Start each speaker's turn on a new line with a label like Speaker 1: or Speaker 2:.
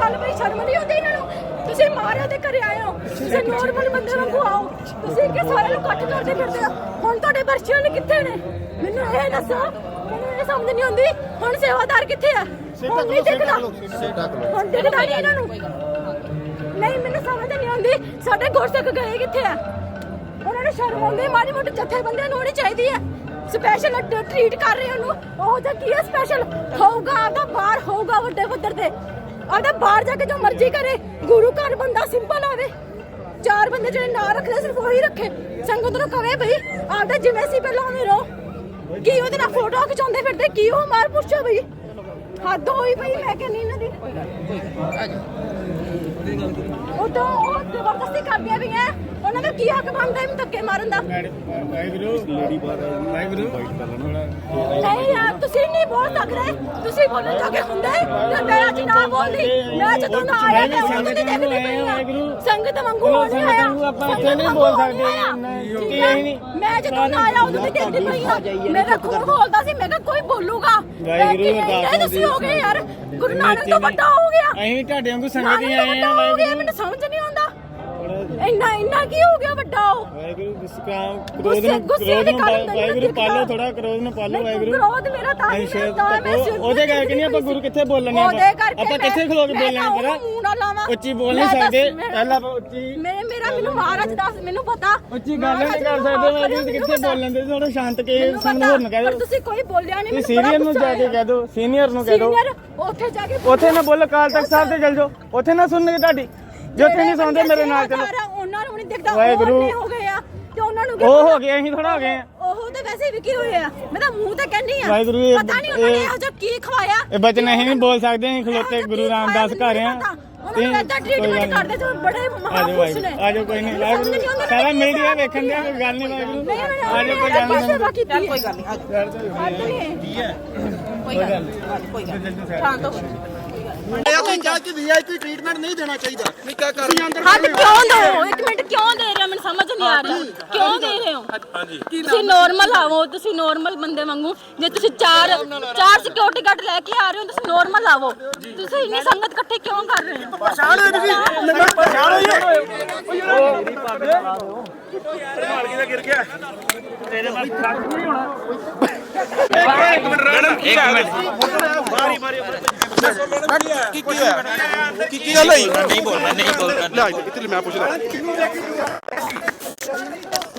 Speaker 1: ਗੱਲ ਬਈ ਸ਼ਰਮ ਨਹੀਂ ਆਉਂਦੀ ਇਹਨਾਂ ਨੂੰ। ਤੁਸੀਂ ਮਾਰਿਆ ਤੇ ਘਰੇ ਆਏ ਹੋ, ਤੁਸੀਂ ਨੋਰਮਲ ਬੰਦੇ ਵਾਂਗੂ ਆਓ। ਤੁਸੀਂ ਕਿ ਸਾਰਿਆਂ ਨੂੰ ਇਕੱਠ ਕਰਦੇ ਫਿਰਦੇ ਹੋ। ਹੁਣ ਤੁਹਾਡੇ ਬਰਸ਼ੀਆਂ ਨੇ ਕਿੱਥੇ ਨੇ ਮੈਨੂੰ ਇਹ ਦੱਸੋ। ਮੈਨੂੰ ਇਹ ਸਮਝ ਨਹੀਂ ਆਉਂਦੀ ਹੁਣ ਸੇਵਾਦਾਰ ਕਿੱਥੇ ਆ? ਹੁਣ ਨਹੀਂ ਦਿਖਦਾ, ਹੁਣ ਦਿਖਦਾ ਨਹੀਂ ਇਹਨਾਂ ਨੂੰ। ਨਹੀਂ ਮੈਨੂੰ ਸਮਝ ਨਹੀਂ ਆਉਂਦੀ ਸਾਡੇ ਗੁਰਸਿੱਖ ਗਏ ਕਿੱਥੇ ਆ? ਉਹਨਾਂ ਨੂੰ ਸ਼ਰਮ ਆਉਂਦੀ ਮਾੜੀ ਮੋਟੀ ਜਥੇਬੰਦੀਆਂ ਨੂੰ ਹੋਣੀ ਚਾਹੀਦੀ ਹੈ। ਸਪੈਸ਼ਲ ਟ੍ਰੀਟ ਕਰ ਰਹੇ ਉਹਨੂੰ, ਉਹ ਤਾਂ ਕੀ ਹੈ ਸਪੈਸ਼ਲ ਹੋਊਗਾ ਆਪਦਾ ਬਾਹਰ ਹੋਊਗਾ ਵੱਡੇ ਪੱਧਰ ਤੇ ਆਪਦਾ ਬਾਹਰ ਜਾ ਕੇ ਜੋ ਮਰਜ਼ੀ ਕਰੇ। ਗੁਰੂ ਘਰ ਬੰਦਾ ਸਿੰਪਲ ਆਵੇ, ਚਾਰ ਬੰਦੇ ਜਿਹੜੇ ਨਾਂ ਰੱਖਦੇ ਸਿਰਫ ਉਹੀ ਰੱਖੇ। ਸੰਗਤ ਨੂੰ ਕਵੇ ਬਈ ਆਪਦਾ ਜਿਵੇਂ ਸੀ ਪਹਿਲਾਂ ਉਵੇਂ ਰਹੋ। ਕੀ ਉਹਦੇ ਨਾਲ ਫੋਟੋ ਖਿਚਾਉਂਦੇ ਫਿਰਦੇ ਕੀ ਉਹ ਮਾਰ ਪੁੱਛੋ ਬਈ ਹੱਦ ਹੋਈ ਬਈ। ਮੈਂ ਕਹਿੰਦੀ ਇਹਨਾਂ ਦੀ ਉਹ ਤਾਂ ਉਹ ਜ਼ਬਰਦਸਤੀ ਕਰਦੀਆਂ ਵੀ ਹੈ। ਉਹਨਾਂ ਦਾ ਕੀ ਹੱਕ ਬਣਦਾ ਇਹਨੂੰ ਧੱਕੇ ਮਾਰਨ ਦਾ? ਨਹੀਂ ਯਾਰ ਤੁਸੀਂ ਨਹੀਂ ਬੋਲ ਸਕਦੇ, ਤੁਸੀਂ ਬੋਲਣ ਜੋਗੇ ਹੁੰਦੇ ਤੇ ਮੈਂ ਅੱਜ ਨਾ ਬੋਲਦੀ। ਮੈਂ ਜਦੋਂ ਨਾ ਆਇਆ ਤੇ ਉਹਨਾਂ ਦੀ ਦੇਖਦੀ ਪਈ ਆ ਸੰਗਤ ਵਾਂਗੂ ਹੋ ਨਹੀਂ ਆਇਆ।
Speaker 2: ਆਪਾਂ ਇੱਥੇ ਨਹੀਂ ਬੋਲ ਸਕਦੇ।
Speaker 1: ਮੈਂ ਜਦੋਂ ਨਾ ਆਇਆ ਉਦੋਂ ਦੀ ਦੇਖਦੀ ਪਈ ਆ। ਮੇਰਾ ਖੂਨ ਖੋਲਦਾ ਸੀ, ਮੈਂ ਕਿਹਾ ਕੋਈ ਬੋਲੂਗਾ। ਤੁਸੀਂ ਹੋ ਗਏ ਯਾਰ, ਗੁਰੂ ਨਾਨਕ ਤੋਂ ਵੱਡਾ ਹੋ ਗਿਆ।
Speaker 2: ਅਸੀਂ ਤੁਹਾਡੇ ਵਾਂਗੂ ਸੰਗਤ ਹੀ ਆਏ ਆ।
Speaker 1: ਮੈਨੂੰ ਸਮਝ ਨਹੀਂ ਆਉਂਦਾ ਇੰਨਾ ਕੀ ਹੋ ਗਿਆ ਵੱਡਾ? ਉਹ
Speaker 2: ਵਾਹਿਗੁਰੂ ਕ੍ਰੋਧ ਨੂੰ ਵਾਹਿਗੁਰੂ ਪਾਲੋ, ਥੋੜਾ ਕ੍ਰੋਧ ਨੂੰ ਪਾਲੋ ਵਾਹਿਗੁਰੂ।
Speaker 1: ਕ੍ਰੋਧ ਮੇਰਾ ਤਾਂ ਹੀ
Speaker 2: ਉਹਦੇ ਕਰਕੇ ਨਹੀਂ ਆਪਾਂ ਗੁਰੂ ਕਿੱਥੇ ਬੋਲਣੇ ਆਪਾਂ ਕਿੱਥੇ ਖਲੋ ਕੇ ਬੋਲਣਾ? ਉੱਚੀ ਬੋਲ ਨਹੀਂ ਸਕਦੇ ਪਹਿਲਾਂ ਉੱਚੀ।
Speaker 1: ਮੈਨੂੰ ਮਹਾਰਾਜ ਦੱਸ, ਮੈਨੂੰ ਪਤਾ
Speaker 2: ਉੱਚੀ ਗੱਲ ਨਹੀਂ ਕਰ ਸਕਦੇ ਵਾਹਿਗੁਰੂ ਕਿੱਥੇ ਬੋਲਣ ਦੇ। ਥੋੜਾ ਸ਼ਾਂਤ ਕੇ ਸਾਨੂੰ ਹੋਰ ਨਾ ਕਹਿ ਦਿਓ।
Speaker 1: ਤੁਸੀਂ ਕੋਈ ਬੋਲਿਆ ਨਹੀਂ।
Speaker 2: ਸੀਨੀਅਰ ਨੂੰ ਜਾ ਕੇ ਕਹਿ ਦਿਓ, ਸੀਨੀਅਰ ਨੂੰ ਕਹਿ ਦਿਓ।
Speaker 1: ਉੱਥੇ ਜਾ ਕੇ
Speaker 2: ਉੱਥੇ ਨਾ ਬੋਲੋ, ਅਕਾਲ ਤਖਤ ਸਾਹਿਬ ਤੇ ਚਲ ਜਾਓ, ਉੱਥੇ ਨਾ ਸੁਣਨਗੇ ਤੁਹਾਡੀ। ਜੇ ਉੱਥੇ ਨਹੀਂ ਸੁਣਦੇ ਮੇਰੇ ਨਾਲ ਚਲੋ।
Speaker 1: ਉਹਨਾਂ ਨੂੰ ਨਹੀਂ ਦਿਖਦਾ
Speaker 2: ਵਾਹਿਗੁਰੂ
Speaker 1: ਹੋ ਗਏ ਆ ਤੇ ਉਹਨਾਂ ਨੂੰ
Speaker 2: ਉਹ ਹੋ ਗਏ, ਅਸੀਂ ਥੋੜਾ ਹੋ ਗਏ ਆ।
Speaker 1: ਉਹ ਤਾਂ ਵੈਸੇ ਵੀ ਕੀ ਹੋਏ ਆ, ਮੈਂ ਤਾਂ ਮੂੰਹ ਤੇ ਕਹਿੰਨੀ ਆ।
Speaker 2: ਵਾਹਿਗੁਰੂ
Speaker 1: ਪਤਾ ਨਹੀਂ ਉਹਨਾਂ ਨੇ ਇਹੋ ਜਿਹਾ ਕੀ ਖਵਾਇਆ।
Speaker 2: ਇਹ ਬਚਨ ਅਸੀਂ ਨਹੀਂ ਬੋਲ ਸਕਦੇ, ਅਸੀਂ ਖਲੋਤੇ ਗੁਰੂ ਰਾਮਦਾਸ ਘਰ ਆ।
Speaker 1: ਉਹਨਾਂ ਨੂੰ ਇੱਦਾਂ ਟ੍ਰੀਟਮੈਂਟ ਕਰਦੇ ਤੇ ਬੜੇ ਮਹਾਪੁਰਸ਼ ਨੇ।
Speaker 2: ਆਜੋ ਕੋਈ ਨਹੀਂ ਵਾਹਿਗੁਰੂ, ਸਾਰਾ ਮੀਡੀਆ ਵੇਖਣ ਦਿਆ, ਕੋਈ ਗੱਲ ਨਹੀਂ ਵਾਹਿਗੁਰੂ। ਆਜੋ ਕੋਈ ਗੱਲ ਨਹੀਂ,
Speaker 1: ਸੇਵਾ ਕੀਤੀ
Speaker 3: ਕੋਈ ਗੱਲ ਨਹੀਂ।
Speaker 2: ਕੀ ਹੈ
Speaker 3: ਕੋਈ ਗੱਲ ਨਹੀਂ, ਕੋਈ ਗੱਲ ਨਹੀਂ। ਸ਼ਾਂਤ ਹੋ।
Speaker 4: ਕਿ ਵੀਆਈਪੀ ਟ੍ਰੀਟਮੈਂਟ ਨਹੀਂ ਦੇਣਾ ਚਾਹੀਦਾ। ਨਹੀਂ ਕਿਆ ਕਰ
Speaker 1: ਹੱਦ ਕਿਉਂ ਦੋ? ਇੱਕ ਮਿੰਟ ਕਿਉਂ ਦੇ ਰਹੇ ਹੋ? ਮੈਨੂੰ ਸਮਝ ਨਹੀਂ ਆ ਰਹੀ ਕਿਉਂ ਦੇ ਰਹੇ ਹੋ? ਤੁਸੀਂ ਨੋਰਮਲ ਆਵੋ, ਤੁਸੀਂ ਨੋਰਮਲ ਬੰਦੇ ਵਾਂਗੂ। ਜੇ ਤੁਸੀਂ ਚਾਰ ਸਿਕਿਉਰਿਟੀ ਗਾਰਡ ਲੈ ਕੇ ਆ ਰਹੇ ਹੋ, ਤੁਸੀਂ ਨੋਰਮਲ ਆਵੋ। ਤੁਸੀਂ ਇੰਨੀ ਸੰਗਤ ਇਕੱਠੇ ਕਿਉਂ ਕਰ ਰਹੇ ਹੋ?
Speaker 4: ਪਛਾਣ ਹੋਈ ਤੁਸੀਂ, ਪਛਾਣ ਹੋਈ
Speaker 5: ਗਿਰ ਗਿਆ ਤੇਰੇ ਨਾਲ ਖੜਕ ਨਹੀਂ ਹੋਣਾ।
Speaker 4: ਕੀ ਗੱਲ ਹੋਈ?
Speaker 5: ਨਹੀਂ ਬੋਲਣਾ
Speaker 4: ਲੈ ਇੱਥੇ ਮੈਂ ਪੁੱਛਦਾ।